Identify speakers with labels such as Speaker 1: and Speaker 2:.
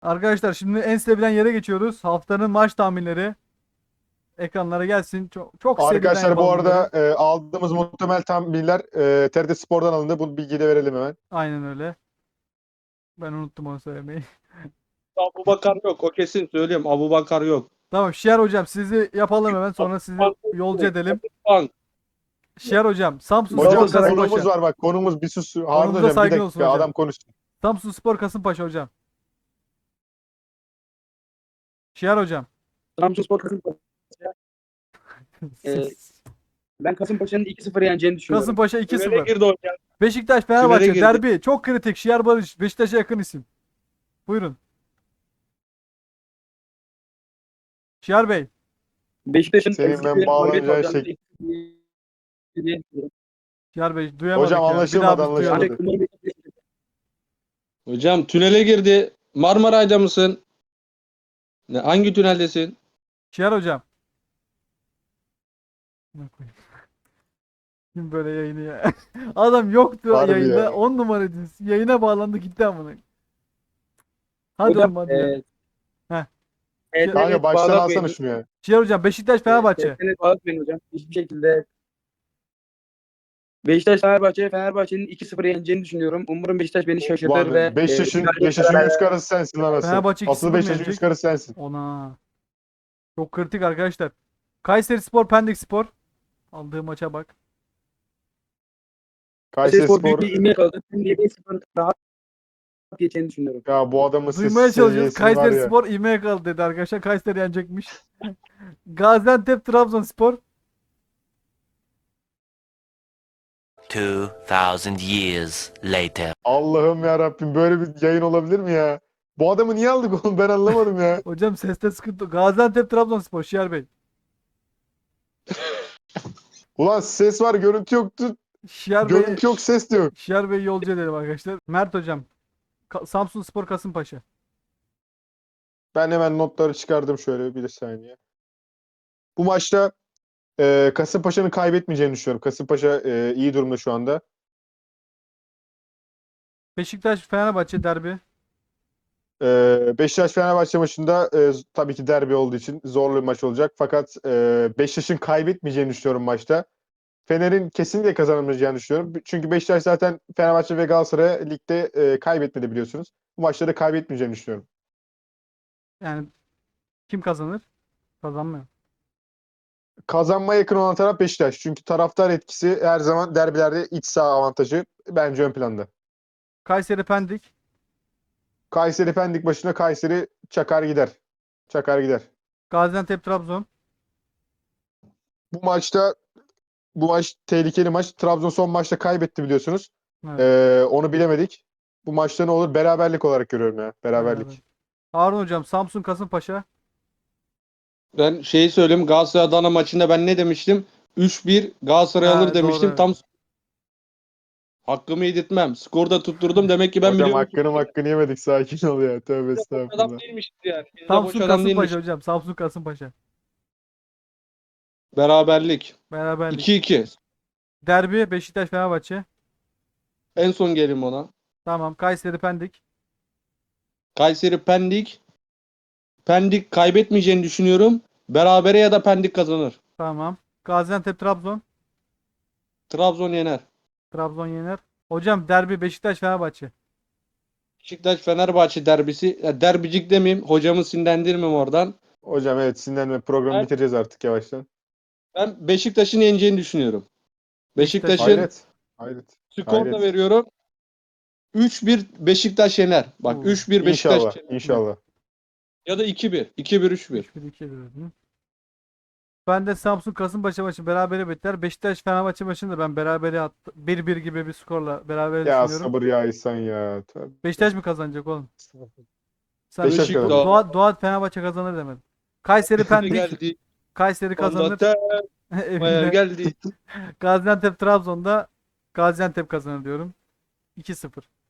Speaker 1: Arkadaşlar şimdi en sevilen yere geçiyoruz. Haftanın maç tahminleri ekranlara gelsin. Çok seriden
Speaker 2: Arkadaşlar bu
Speaker 1: yapalım bunları.
Speaker 2: arada aldığımız muhtemel tahminler TRT Spor'dan alındı. Bu bilgiyi de verelim hemen.
Speaker 1: Aynen öyle. Ben unuttum onu söylemeyi.
Speaker 3: Abubakar yok. O kesin söylüyorum. Abubakar yok.
Speaker 1: Tamam Şiar hocam sizi yapalım hemen sonra sizi yolcu edelim. Şiar hocam Samsun Spor
Speaker 2: Hocam
Speaker 3: Galatasaray
Speaker 2: konuğumuz
Speaker 1: Kasımpaşa.
Speaker 2: var bak konumuz bir sus. Harun
Speaker 1: Konumuza
Speaker 2: hocam bir
Speaker 1: saygın olsun
Speaker 2: dakika
Speaker 1: hocam.
Speaker 2: adam konuşsun.
Speaker 1: Samsun Spor Kasımpaşa hocam. Şiar hocam.
Speaker 4: Samsunspor Kasımpaşa. Ben Kasımpaşa'nın 2-0 yeneceğini düşünüyorum.
Speaker 1: Kasımpaşa
Speaker 3: Tünele
Speaker 1: 2-0.
Speaker 3: girdi hocam.
Speaker 1: Beşiktaş
Speaker 3: Tünele
Speaker 1: Fenerbahçe
Speaker 3: girdi.
Speaker 1: derbi. Çok kritik. Şiar Barış. Beşiktaş'a yakın isim. Buyurun. Şiar Bey.
Speaker 4: Beşiktaş'ın
Speaker 2: Senin
Speaker 4: eski
Speaker 2: ben
Speaker 4: bir mağlubiyet
Speaker 2: bağlanacağın
Speaker 4: alacağını
Speaker 2: şey.
Speaker 1: Şiar Bey duyamadık
Speaker 2: Hocam
Speaker 1: ya. Bir
Speaker 2: anlaşılmadı,
Speaker 1: daha biz duyalım.
Speaker 2: anlaşılmadı.
Speaker 4: Ancak umarım Beşiktaş-
Speaker 3: Hocam tünele girdi. Marmaray'da mısın? Hangi tüneldesin?
Speaker 1: Şiar hocam. Ne koyayım? Kim böyle yayını ya? Adam yoktu
Speaker 2: Harbi
Speaker 1: yayında.
Speaker 2: ya.
Speaker 1: 10 numaraydınız. Yayına bağlandı gitti amına. Hadi
Speaker 4: Hocam,
Speaker 1: oğlum hadi ya. Heh.
Speaker 2: Kanka baştan alsana
Speaker 4: bağlatmayın.
Speaker 2: şunu ya.
Speaker 1: Şiar hocam Beşiktaş Fenerbahçe.
Speaker 4: TRT'ni bağlatmayın hocam. Hiçbir şekilde. Beşiktaş Fenerbahçe'nin 2-0 yeneceğini düşünüyorum. Umarım Beşiktaş beni şaşırtır ve
Speaker 2: Ulan Beşiktaş'ın
Speaker 4: galibiyet
Speaker 2: Beşiktaş'ın
Speaker 4: kararı-
Speaker 2: yüz karası sensin lan asıl.
Speaker 1: Fenerbahçe 2-0
Speaker 2: Asıl
Speaker 1: mı
Speaker 2: Beşiktaş'ın
Speaker 1: yenecek?
Speaker 2: yüz karası sensin.
Speaker 1: Ona. Çok kritik arkadaşlar. Kayseri Spor Pendik Spor. Aldığı maça bak.
Speaker 2: Kayseri
Speaker 4: Spor büyük
Speaker 2: Spor
Speaker 4: bir ilmeğe kaldı. Şimdi 7-0 rahat geçeceğini düşünüyorum.
Speaker 2: ya bu adamın
Speaker 1: Duymaya çalışıyoruz.
Speaker 2: seviyesi var
Speaker 1: Kayseri
Speaker 2: ya.
Speaker 1: Spor ivmeye kaldı dedi arkadaşlar. Kayseri yenecekmiş. Gaziantep Trabzonspor.
Speaker 5: 2,000 years later.
Speaker 2: Allah'ım ya Rabbim böyle bir yayın olabilir mi ya? Bu adamı niye aldık oğlum ben anlamadım ya.
Speaker 1: Hocam seste sıkıntı. Gaziantep Trabzonspor Şiar Bey.
Speaker 2: Ulan ses var görüntü yoktu.
Speaker 1: Şiar Bey.
Speaker 2: Görüntü yok ses de yok.
Speaker 1: Şiar Bey yolcu edelim arkadaşlar. Mert hocam. Samsun Spor Kasımpaşa.
Speaker 2: Ben hemen notları çıkardım şöyle bir saniye. Bu maçta Kasımpaşa'nın kaybetmeyeceğini düşünüyorum. Kasımpaşa iyi durumda şu anda.
Speaker 1: Beşiktaş Fenerbahçe derbi.
Speaker 2: Beşiktaş-Fenerbahçe maçında tabii ki derbi olduğu için zorlu bir maç olacak. Fakat Beşiktaş'ın kaybetmeyeceğini düşünüyorum maçta. Fener'in kesinlikle kazanamayacağını düşünüyorum. Çünkü Beşiktaş zaten Fenerbahçe ve Galatasaray'a ligde kaybetmedi biliyorsunuz. Bu maçları kaybetmeyeceğini düşünüyorum.
Speaker 1: Yani kim kazanır? Kazanmıyor.
Speaker 2: Kazanmaya yakın olan taraf Beşiktaş. Çünkü taraftar etkisi her zaman derbilerde iç saha avantajı bence ön planda.
Speaker 1: Kayseri Pendik.
Speaker 2: Kayseri Pendik başına Kayseri çakar gider. Çakar gider.
Speaker 1: Gaziantep Trabzon.
Speaker 2: Bu maçta bu maç tehlikeli maç. Trabzon son maçta kaybetti biliyorsunuz.
Speaker 1: Evet.
Speaker 2: Onu bilemedik. Bu maçta ne olur? Beraberlik olarak görüyorum ya. Beraberlik.
Speaker 1: Beraber. Harun hocam Samsun Kasımpaşa.
Speaker 3: Ben şeyi söyleyeyim. Galatasaray Adana maçında ben ne demiştim? 3-1 Galatasaray
Speaker 1: Ha,
Speaker 3: alır demiştim.
Speaker 1: doğru.
Speaker 3: Tam hakkımı yedirtmem. Skorda tutturdum. Demek ki ben
Speaker 2: Hocam
Speaker 3: biliyorum.
Speaker 2: hakkını yemedik. Sakin ol ya. Tövbe
Speaker 3: Adam
Speaker 2: estağfurullah.
Speaker 3: değilmiş yani. Biz de boş
Speaker 1: Samsun
Speaker 3: adam
Speaker 1: Kasımpaşa
Speaker 3: değilmiş.
Speaker 1: hocam. Samsun Kasımpaşa.
Speaker 3: Beraberlik.
Speaker 1: Beraberlik.
Speaker 3: 2-2.
Speaker 1: Derbi Beşiktaş Fenerbahçe.
Speaker 3: En son gelin ona.
Speaker 1: Tamam. Kayseri Pendik.
Speaker 3: Kayseri Pendik. Pendik kaybetmeyeceğini düşünüyorum. Berabere ya da Pendik kazanır.
Speaker 1: Tamam. Gaziantep Trabzon.
Speaker 3: Trabzon yener.
Speaker 1: Trabzon yener. Hocam derbi Beşiktaş Fenerbahçe.
Speaker 3: Beşiktaş Fenerbahçe derbisi. Ya derbicik demeyeyim. Hocamı sinirlendirmem oradan.
Speaker 2: Hocam evet sinirlenme. Programı
Speaker 3: Ben-
Speaker 2: bitireceğiz artık yavaştan.
Speaker 3: Ben Beşiktaş'ın yeneceğini düşünüyorum.
Speaker 1: Beşiktaş.
Speaker 3: Beşiktaş'ın
Speaker 2: Hayret. Hayret.
Speaker 3: skor da
Speaker 2: Hayret.
Speaker 3: veriyorum. 3-1 Beşiktaş yener. Bak
Speaker 1: Oo.
Speaker 3: 3-1 Beşiktaş
Speaker 2: İnşallah.
Speaker 3: yener.
Speaker 2: İnşallah.
Speaker 3: Ya da 2-1. 2-1 3-1.
Speaker 1: 3-1-2 dedim. Ben de Samsun Kasımpaşa maçı berabere biter. Beşiktaş Fenerbahçe maçını da ben berabere attım. 1-1 gibi bir skorla berabere
Speaker 2: Ya
Speaker 1: düşünüyorum.
Speaker 2: sabır ya İhsan ya. Tövbe.
Speaker 1: Beşiktaş mı kazanacak oğlum? Sen
Speaker 2: Beşiktaş
Speaker 3: Beşiktaş.
Speaker 2: kazanır.
Speaker 1: Doğa Fenerbahçe kazanır demedin. Kayseri Pendik.
Speaker 3: Geldi.
Speaker 1: Kayseri kazanır.
Speaker 3: Maya
Speaker 1: Evinde.
Speaker 3: geldi.
Speaker 1: Gaziantep Trabzon'da Gaziantep kazanır diyorum. 2-0.